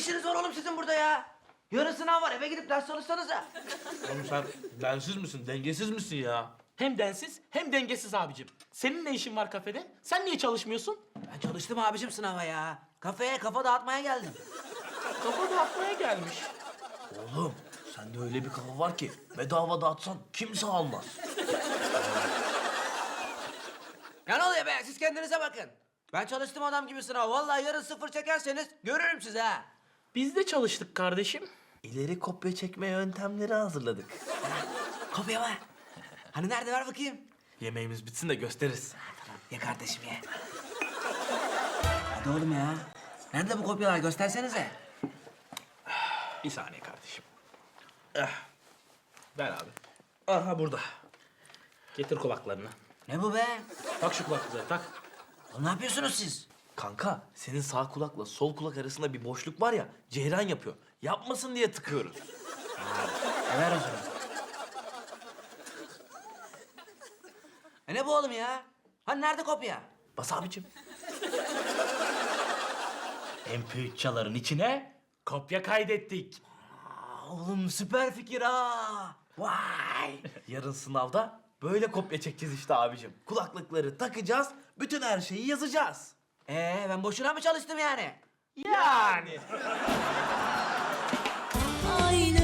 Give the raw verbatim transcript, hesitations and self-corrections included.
işiniz var oğlum sizin burada ya? Yarın sınav var, eve gidip ders çalışsanıza. Oğlum sen densiz misin, dengesiz misin ya? Hem densiz hem dengesiz abicim. Senin ne işin var kafede? Sen niye çalışmıyorsun? Ben çalıştım abicim sınava ya. Kafeye kafa dağıtmaya geldim. Kafa dağıtmaya gelmiş. Oğlum sende öyle bir kafa var ki bedava dağıtsan kimse almaz. Ya ne oluyor be? Siz kendinize bakın. Ben çalıştım adam gibi sınav. Vallahi yarın sıfır çekerseniz görürüm sizi ha. Biz de çalıştık kardeşim. İleri kopya çekme yöntemleri hazırladık. Kopya var. Hani nerede ver bakayım? Yemeğimiz bitsin de gösteririz. Ye kardeşim ye. Hadi oğlum ya. Nerede bu kopyalar? Göstersenize. Bir saniye kardeşim. Eh, Ver abi. aha burada. Getir kulaklarını. Ne bu be? Tak şu kulaklığı tak. Oğlum ne yapıyorsunuz siz? Kanka senin sağ kulakla sol kulak arasında bir boşluk var ya ceyran yapıyor. Yapmasın diye tıkıyoruz. E ver o zaman. E ne bu oğlum ya? Hani nerede kopya? Bas abicim. M P üç çaların içine kopya kaydettik. Aa, oğlum süper fikir ha. Vay. Yarın sınavda böyle kopya çekeceğiz işte abicim. Kulaklıkları takacağız, bütün her şeyi yazacağız. Ee ben boşuna mı çalıştım yani? Yani. Aynı